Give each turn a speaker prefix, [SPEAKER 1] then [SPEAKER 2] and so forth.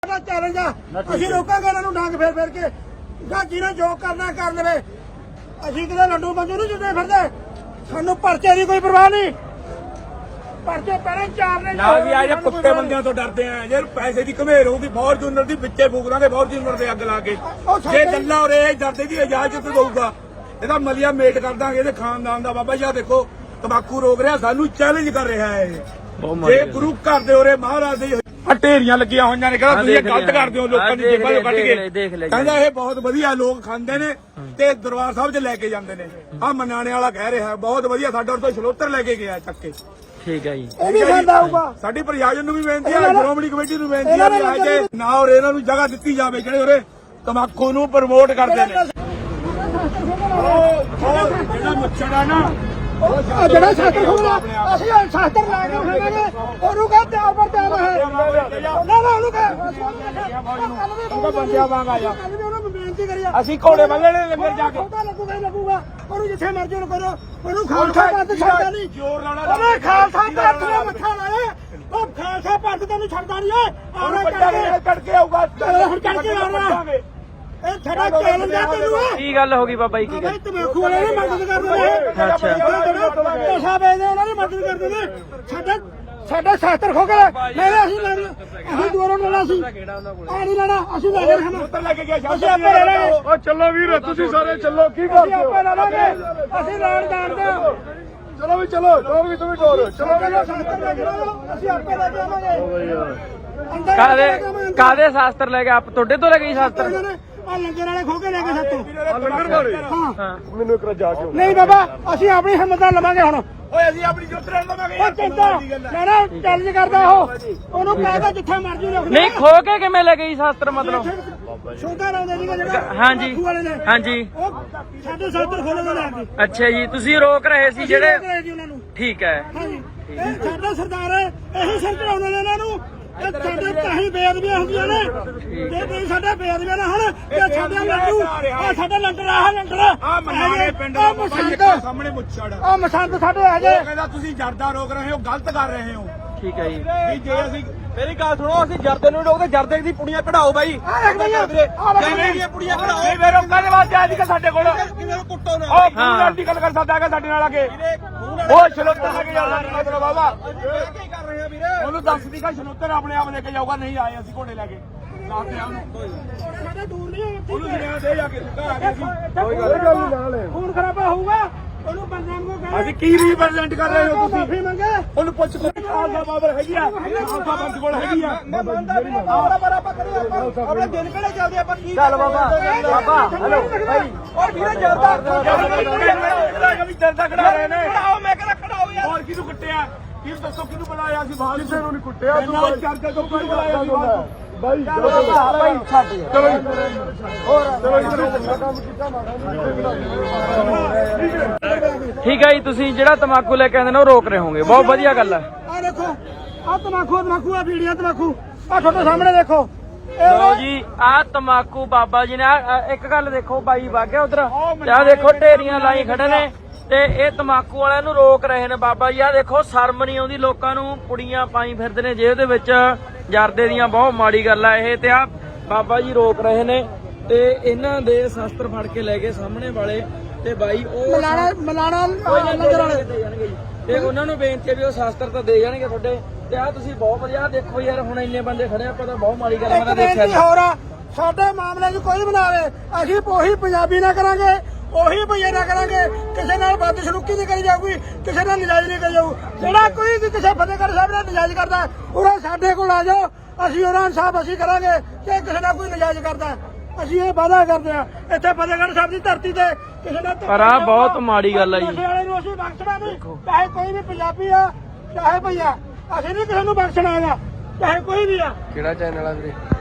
[SPEAKER 1] challenge असं रोकांगे इन्होंने डंग फेर फेर के जिन्हें जो करना कर ले असं कि लड्डू मंजू नहीं जुटे फिरते सानू परचे की कोई परवाह नहीं परचे पहले चार
[SPEAKER 2] कुत्ते बंदियां तो डरते हैं जे पैसे की घमेर होगी फॉर्चूनर की पिछे फूक देंगे फॉर्चूनर से अग ला के जे गल्ला और डरते की इजाजत दूगा ਇਹਦਾ ਮਲੀਆ ਮੇਟ ਕਰ ਦਾਂਗੇ ਇਹਦੇ ਖਾਨਦਾਨ ਦਾ ਬਾਬਾ ਜੀ ਦੇਖੋ ਤੰਬਾਕੂ ਰੋਕ ਰਿਹਾ ਸਾਨੂੰ ਚੈਲੰਜ ਕਰ ਰਿਹਾ ਹੈ ਜੇ ਗੁਰੂ ਘਰ ਦੇ ਉਰੇ ਮਹਾਰਾਜ ਦੇ ਢੇਰੀਆਂ ਲੱਗੀਆਂ ਹੋਈਆਂ ਨੇ ਕਹਿੰਦਾ ਤੁਸੀਂ ਗਲਤ ਕਰਦੇ ਹੋ ਲੋਕਾਂ ਦੀ ਜੇਬਾਂ ਚੋਂ ਕੱਢ ਕੇ ਕਹਿੰਦਾ ਇਹ ਬਹੁਤ ਵਧੀਆ ਲੋਕ ਖਾਂਦੇ ਨੇ ਤੇ ਦਰਬਾਰ ਸਾਹਿਬ 'ਚ ਲੈ ਕੇ ਜਾਂਦੇ ਨੇ ਆ ਮਨਾਣੇ ਵਾਲਾ ਕਹਿ ਰਿਹਾ ਬਹੁਤ ਵਧੀਆ ਸਾਡੇ ਤੋਂ ਛਲੋਤਰ ਲੈ ਕੇ ਗਿਆ ਚੱਕ ਕੇ
[SPEAKER 3] ਠੀਕ ਹੈ ਜੀ
[SPEAKER 1] ਇਹ ਵੀ ਖਾਂਦਾ ਹੋਊਗਾ
[SPEAKER 2] ਸਾਡੀ ਪ੍ਰਸ਼ਾਸਨ ਨੂੰ ਵੀ ਬੇਨਤੀ ਹੈ ਸ਼੍ਰੋਮਣੀ ਕਮੇਟੀ ਨੂੰ ਬੇਨਤੀ ਹੈ ਕਿ ਨਾ ਔਰ ਇਹਨਾਂ ਨੂੰ ਜਗ੍ਹਾ ਦਿੱਤੀ ਜਾਵੇ ਜਿਹੜੇ ਉਰੇ ਤੰਬਾਕੂ ਨੂੰ ਪ੍ਰਮੋਟ ਕਰਦੇ ਨੇ ਜਿਹੜਾ ਮੁੱਛੜ ਆ ਨਾ
[SPEAKER 1] ਜਿਹੜਾ ਸ਼ਾਸਤਰ ਖੋਲਾ ਅਸੀਂ ਸ਼ਾਸਤਰ ਲਾ ਕੇ ਖਾਵਾਂਗੇ ਉਹਨੂੰ ਕਹ ਤਿਆਰ ਪਰ ਤਿਆਰ ਹੈ ਨਾ ਉਹਨੂੰ ਕਹ
[SPEAKER 2] ਬੰਦਿਆ ਵਾਂਗ ਆ ਜਾ
[SPEAKER 1] ਉਹਨੂੰ ਬੇਨਤੀ ਕਰੀ
[SPEAKER 2] ਅਸੀਂ ਘੋੜੇ ਬੰਨਣੇ ਲੰਗਰ ਜਾ ਕੇ
[SPEAKER 1] ਲੱਗੂਗਾ ਹੀ ਲੱਗੂਗਾ ਉਹਨੂੰ ਜਿੱਥੇ ਮਰਜ਼ੀ ਨੂੰ ਕਰੋ ਉਹਨੂੰ ਖਾਲਸਾ ਪੰਥ ਛੱਡਦਾ ਨਹੀਂ
[SPEAKER 2] ਜ਼ੋਰ ਲਾਉਣਾ
[SPEAKER 1] ਉਹਨੇ ਖਾਲਸਾ ਪੰਥ ਨੂੰ ਮੱਥਾ ਲਾਇਆ ਉਹ ਖਾਲਸਾ ਪੰਥ ਤੈਨੂੰ ਛੱਡਦਾ ਨਹੀਂ ਓਏ ਆਉਣਾ
[SPEAKER 2] ਕੱਢ ਕੇ ਆਊਗਾ
[SPEAKER 1] ਹੁਣ ਕੱਢ ਕੇ ਆਉਣਾ ਇਹ ਸਾਡਾ ਚੈਲੰਜ ਆ ਤੈਨੂੰ
[SPEAKER 3] ਕੀ ਗੱਲ ਹੋ ਗਈ ਬਾਬਾ ਜੀ ਕੀ ਗੱਲ
[SPEAKER 1] ਤੰਬਾਕੂ ਵਾਲੇ ਨੇ ਮਦਦ ਕਰਦੇ ਨੇ
[SPEAKER 3] ਅੱਛਾ
[SPEAKER 1] ਪੈਸਾ ਵੇਚਦੇ ਉਹਨਾਂ ਦੀ ਮਦਦ ਕਰਦੇ ਨੇ ਸਾਡਾ ਸ਼ਾਸਤਰ ਖੋ ਕੇ ਨਹੀਂ ਅਸੀਂ ਦੂਰੋਂ ਲੈਣਾ ਸੀ ਆ ਨਹੀਂ ਲੈਣਾ ਅਸੀਂ ਲੈ ਕੇ
[SPEAKER 2] ਉੱਤਰ ਲੈ ਕੇ ਗਿਆ
[SPEAKER 1] ਅਸੀਂ ਆਪੇ ਲੈ ਲਾਂਗੇ
[SPEAKER 2] ਓ ਚੱਲੋ ਵੀਰ ਤੁਸੀਂ ਸਾਰੇ ਚੱਲੋ ਕੀ
[SPEAKER 1] ਅਸੀਂ
[SPEAKER 2] ਕਰਦੇ
[SPEAKER 1] ਆਪੇ ਲੈ ਲਾਂਗੇ ਅਸੀਂ ਲੈਣ ਜਾਣਦੇ ਹਾਂ
[SPEAKER 2] ਚਲੋ ਵੀ ਚਲੋ ਡੋਰ ਵੀ ਤੁਸੀਂ ਡੋਰ ਚਲੋ
[SPEAKER 1] ਸ਼ਾਸਤਰ ਲੈ ਕੇ ਆਓ, ਅਸੀਂ ਆਪੇ ਲੈ ਕੇ ਆਵਾਂਗੇ
[SPEAKER 3] ਕਾਦੇ ਸ਼ਾਸਤਰ ਲੈ ਕੇ ਆਪ ਤੁਹਾਡੇ ਤੋਂ ਲੈ ਗਈ ਸ਼ਾਸਤਰ
[SPEAKER 1] ਆ ਲੰਗਰ ਵਾਲੇ ਖੋ ਕੇ ਲੈ ਗਏ ਸਾਤੋਂ
[SPEAKER 2] ਲੰਗਰ ਵਾਲੇ
[SPEAKER 1] ਹਾਂ
[SPEAKER 2] ਮੈਨੂੰ ਇੱਕ ਜਾ ਕੇ
[SPEAKER 1] ਨਹੀਂ ਬਾਬਾ ਅਸੀਂ ਆਪਣੀ ਹਿੰਮਤ ਨਾਲ ਲਵਾਂਗੇ ਹੁਣ
[SPEAKER 2] ਓਏ ਅਸੀਂ ਆਪਣੀ ਜੁੱਤ ਰਹਿਣ ਦਵਾਂਗੇ
[SPEAKER 1] ਉਹ ਚਿੰਤਾ ਮੈਂ ਨਾ ਚੈਲੰਜ ਕਰਦਾ ਉਹਨੂੰ ਕਹਿੰਦਾ ਜਿੱਥੇ ਮਰਜ਼ੀ ਰੱਖ
[SPEAKER 3] ਨਹੀਂ ਖੋ ਕੇ ਕਿਵੇਂ ਲੈ ਗਈ ਸ਼ਾਸਤਰ ਮਤਲਬ
[SPEAKER 1] ਛੋਟਾ ਲਾਉਂਦੇ ਸੀਗਾ ਜਿਹੜਾ
[SPEAKER 3] ਹਾਂਜੀ
[SPEAKER 1] ਬਾਪੂ ਵਾਲੇ ਨੇ
[SPEAKER 3] ਹਾਂਜੀ
[SPEAKER 1] ਉਹ ਸਾਡੇ ਸ਼ਾਸਤਰ ਖੋਲ੍ਹਣ ਦੇ ਨਾਲ
[SPEAKER 3] ਅੱਛਾ ਜੀ ਤੁਸੀਂ ਰੋਕ ਰਹੇ ਸੀ ਜਿਹੜੇ
[SPEAKER 1] ਉਹਨਾਂ ਨੂੰ
[SPEAKER 3] ਠੀਕ ਹੈ
[SPEAKER 1] ਹਾਂਜੀ ਇਹ ਸਾਡਾ ਸਰਦਾਰ ਹੈ ਇਹੀ ਸਿਰ ਚੜਾਉਣ ਵਾਲੇ ਇਹਨਾਂ ਨੂੰ ਇਹ ਸਾਡੇ ਕਾਹੀ ਬੇਅਦਬੀਆਂ ਹੁੰਦੀਆਂ ਨੇ ਜੇ ਤੁਸੀਂ ਸਾਡੇ ਬੇਅਦਬੀਆਂ ਨਾ ਹੁਣ ਤੇ ਸਾਡੇ ਲੱਡੂ ਆ ਸਾਡਾ ਲੰਡਰ ਆ ਲੰਡਰ
[SPEAKER 2] ਆ ਮਨਾਣੇ ਪਿੰਡ ਦਾ ਸਾਹਮਣੇ ਮੁੱਛੜ
[SPEAKER 1] ਆ ਮਸੰਦ ਸਾਡੇ ਆ ਜੇ
[SPEAKER 2] ਉਹ ਕਹਿੰਦਾ ਤੁਸੀਂ ਜਰਦਾ ਰੋਕ ਰਹੇ ਹੋ ਗਲਤ ਕਰ ਰਹੇ ਹੋ
[SPEAKER 3] ਠੀਕ ਹੈ ਜੀ
[SPEAKER 2] ਵੀ ਜੇ ਅਸੀਂ ਮੇਰੀ ਗੱਲ ਸੁਣੋ ਅਸੀਂ ਜਰਦੇ ਨੂੰ ਰੋਕਦੇ ਜਰਦੇ ਦੀ ਪੁੜੀਆਂ ਕਢਾਓ ਬਾਈ ਕਿਵੇਂ ਦੀਆਂ ਪੁੜੀਆਂ ਕਢਾਓ ਨਹੀਂ ਮੇਰੇ ਰੋਕਣ ਦੇ ਵਾਸਤੇ ਅੱਜ ਕੱਲ ਸਾਡੇ ਕੋਲ ਕਿਵੇਂ ਕੁੱਟੋ ਨਾ ਉਹ ਪੂਰਾ ਗੱਲ ਕਰ ਸਕਦਾ ਹੈਗਾ ਸਾਡੇ ਨਾਲ ਆ ਕੇ ਉਹ ਛਲੋਤਰ ਲੈ ਕੇ ਜਾਣਾ ਮਤਲਬ ਬਾਬਾ ਕੀ ਕਰ ਰਹੇ ਆ ਵੀਰੇ ਉਹਨੂੰ ਦੱਸ ਦੀ ਕਿ ਛਲੋਤਰ ਆਪਣੇ ਆਪ ਲੈ ਕੇ ਜਾਊਗਾ ਨਹੀਂ ਆਏ ਅਸੀਂ ਘੋੜੇ ਲੈ ਕੇ ਦੱਸਦੇ ਆ
[SPEAKER 1] ਸਾਡੇ ਦੂਰ ਨਹੀਂ
[SPEAKER 2] ਉਹਨੂੰ ਸੁਣਿਆ ਦੇ ਜਾ ਕੇ ਸੁੱਕਾ ਆ ਗਿਆ ਸੀ
[SPEAKER 1] ਕੋਈ ਗੱਲ ਨਹੀਂ ਨਾਲ ਖੂਨ ਖਰਾਬਾ ਹੋਊਗਾ ਉਹਨੂੰ ਬੰਦਿਆਂ ਨੂੰ ਕਹਿੰਦੇ
[SPEAKER 2] ਅਸੀਂ ਕੀ ਰਿਪਰੈਜ਼ੈਂਟ ਕਰ ਰਹੇ ਹੋ ਤੁਸੀਂ
[SPEAKER 1] ਮਾਫੀ ਮੰਗੇ
[SPEAKER 2] ਉਹਨੂੰ ਪੁੱਛ ਕੋਈ ਖਾਲਸਾ ਬਾਬਰ ਹੈਗੀ ਆ ਖਾਲਸਾ ਪੰਥ ਕੋਲ ਹੈਗੀ ਆ
[SPEAKER 1] ਮੈਂ ਮੰਨਦਾ ਵੀ ਬਰਾਬਰ ਆਪਾਂ ਕਰੀਏ ਆਪਣੇ ਦਿਨ ਕਿਹੜੇ ਚੱਲਦੇ ਆਪਾਂ ਕੀ
[SPEAKER 3] ਚੱਲ ਬਾਬਾ
[SPEAKER 1] ਹੈਲੋ ਭਾਈ ਔਰ ਵੀਰੇ ਜਰਦਾ
[SPEAKER 2] ਜਰਦਾ ਖੜਾ ਰਹੇ ਨੇ
[SPEAKER 1] ਖੜਾਓ ਮੈਂ ਕਹਿੰਦਾ ਖੜਾਓ ਯਾਰ
[SPEAKER 2] ਹੋਰ ਕਿਹਨੂੰ ਕੁੱਟਿਆ ਕੀ ਦੱਸੋ ਕਿਹਨੂੰ ਬੁਲਾਇਆ ਸੀ ਬਾਹਰ ਕਿਸੇ ਨੂੰ ਨਹੀਂ ਕੁੱਟਿਆ ਤੂੰ ਚਰਚਾ ਤੋਂ ਕਿਹਨੂੰ ਬੁਲਾਇਆ ਸੀ ਬਾਹਰ ਬਾਈ
[SPEAKER 3] ਭਾਈ ਛੱਡ
[SPEAKER 2] ਚਲੋ
[SPEAKER 3] ਠੀਕ ਹੈ ਜੀ ਤੁਸੀਂ ਜਿਹੜਾ ਤੰਬਾਕੂ ਲੈ ਕੇ ਆਉਂਦੇ ਨੇ ਉਹ ਰੋਕ ਰਹੇ ਹੋਗੇ ਬਹੁਤ ਵਧੀਆ ਗੱਲ ਹੈ
[SPEAKER 1] ਆ ਦੇਖੋ ਆ ਤਮਾਕੂ ਆ ਵੀਡੀਓ ਤਮਾਕੂ ਆ ਤੁਹਾਡੇ ਸਾਹਮਣੇ ਦੇਖੋ
[SPEAKER 3] ਲਓ ਜੀ ਆਹ ਤੰਬਾਕੂ ਬਾਬਾ ਜੀ ਨੇ ਇੱਕ ਗੱਲ ਦੇਖੋ ਬਾਈ ਵਾਗਿਆ ਉਧਰ ਆਹ ਦੇਖੋ ਢੇਰੀਆਂ ਲਾਈ ਖੜੇ ਨੇ ਤੇ ਇਹ ਤੰਬਾਕੂ ਵਾਲਿਆਂ ਨੂੰ ਰੋਕ ਰਹੇ ਨੇ ਬਾਬਾ ਜੀ ਆਹ ਦੇਖੋ ਸ਼ਰਮ ਨਹੀਂ ਆਉਂਦੀ ਲੋਕਾਂ ਨੂੰ ਪੁੜੀਆਂ ਪਾਈ ਫਿਰਦੇ ਨੇ ਜੇਬ ਦੇ ਵਿੱਚ ਜਰਦੇ ਦੀਆਂ ਬਹੁਤ ਮਾੜੀ ਗੱਲ ਆ ਇਹ ਤੇ ਆ ਬਾਬਾ ਜੀ ਰੋਕ ਰਹੇ ਨੇ ਤੇ ਇਹਨਾਂ ਦੇ ਸ਼ਸਤਰ ਫੜ ਕੇ ਲੈ ਗਏ ਸਾਹਮਣੇ ਵਾਲੇ ਤੇ ਬਾਈ ਉਹ
[SPEAKER 1] ਮਲਾਣਾ
[SPEAKER 3] ਨਜ਼ਰ ਵਾਲੇ ਦੇ ਜਾਣਗੇ ਜੀ ਤੇ ਉਹਨਾਂ ਨੂੰ ਬੇਨਤੀ ਹੈ ਵੀ ਉਹ ਸ਼ਸਤਰ ਤਾਂ ਦੇ ਜਾਣਗੇ ਤੁਹਾਡੇ ਤੇ ਆ ਤੁਸੀਂ ਬਹੁਤ ਵਧੀਆ ਦੇਖੋ ਯਾਰ ਹੁਣ ਇੰਨੇ ਬੰਦੇ ਖੜੇ ਆਪਾਂ ਤਾਂ ਬਹੁਤ ਮਾੜੀ ਗੱਲ ਮੈਂ ਦੇਖਿਆ
[SPEAKER 1] ਹੋਰ ਆ ਸਾਡੇ ਮਾਮਲੇ 'ਚ ਕੋਈ ਬਣਾਵੇ ਅਸੀਂ ਉਹੀ ਪੰਜਾਬੀ ਨਾ ਕਰਾਂਗੇ ਉਹੀ ਭਈਏ ਨਾ ਕਰਾਂਗੇ ਕਿਸੇ ਨਾਲ ਬਦਸਲੂਕੀ ਨਹੀਂ ਕਰੀ ਜਾਊਗੀ ਕਿਸੇ ਨਾਲ ਨਜਾਇਜ਼ ਨਹੀਂ ਕਰੀ ਜਾਊ ਜਿਹੜਾ ਕੋਈ ਵੀ ਕਿਸੇ ਫਤਿਹਗੜ੍ਹ ਸਾਹਿਬ ਨਾਲ ਨਜਾਇਜ਼ ਕਰਦਾ ਉਹ ਸਾਡੇ ਕੋਲ ਆ ਜਾਓ ਅਸੀਂ ਉਹਨਾਂ ਇਨਸਾਫ ਅਸੀਂ ਕਰਾਂਗੇ ਕਿ ਕਿਸੇ ਨਾਲ ਕੋਈ ਨਜਾਇਜ਼ ਕਰਦਾ ਅਸੀਂ ਇਹ ਵਾਅਦਾ ਕਰਦੇ ਆ ਇੱਥੇ ਫਤਿਹਗੜ੍ਹ ਸਾਹਿਬ ਦੀ ਧਰਤੀ ਤੇ ਕਿਸੇ ਨਾਲ
[SPEAKER 3] ਪਰ ਆ ਬਹੁਤ ਮਾੜੀ ਗੱਲ ਆ ਜੀ
[SPEAKER 1] ਵਾਲੇ ਨੂੰ ਅਸੀਂ ਬਖਸ਼ਣਾ ਨਹੀਂ ਚਾਹੇ ਕੋਈ ਵੀ ਪੰਜਾਬੀ ਆ ਚਾਹੇ ਭਈਆ ਅਸੀਂ ਨਹੀਂ ਕਿਸੇ ਨੂੰ ਬਖਸ਼ਣਾ ਹੈਗਾ ਚਾਹੇ ਕੋਈ ਵੀ ਆ
[SPEAKER 3] ਕਿਹੜਾ ਚੈਨਲ ਆ ਵੀਰੇ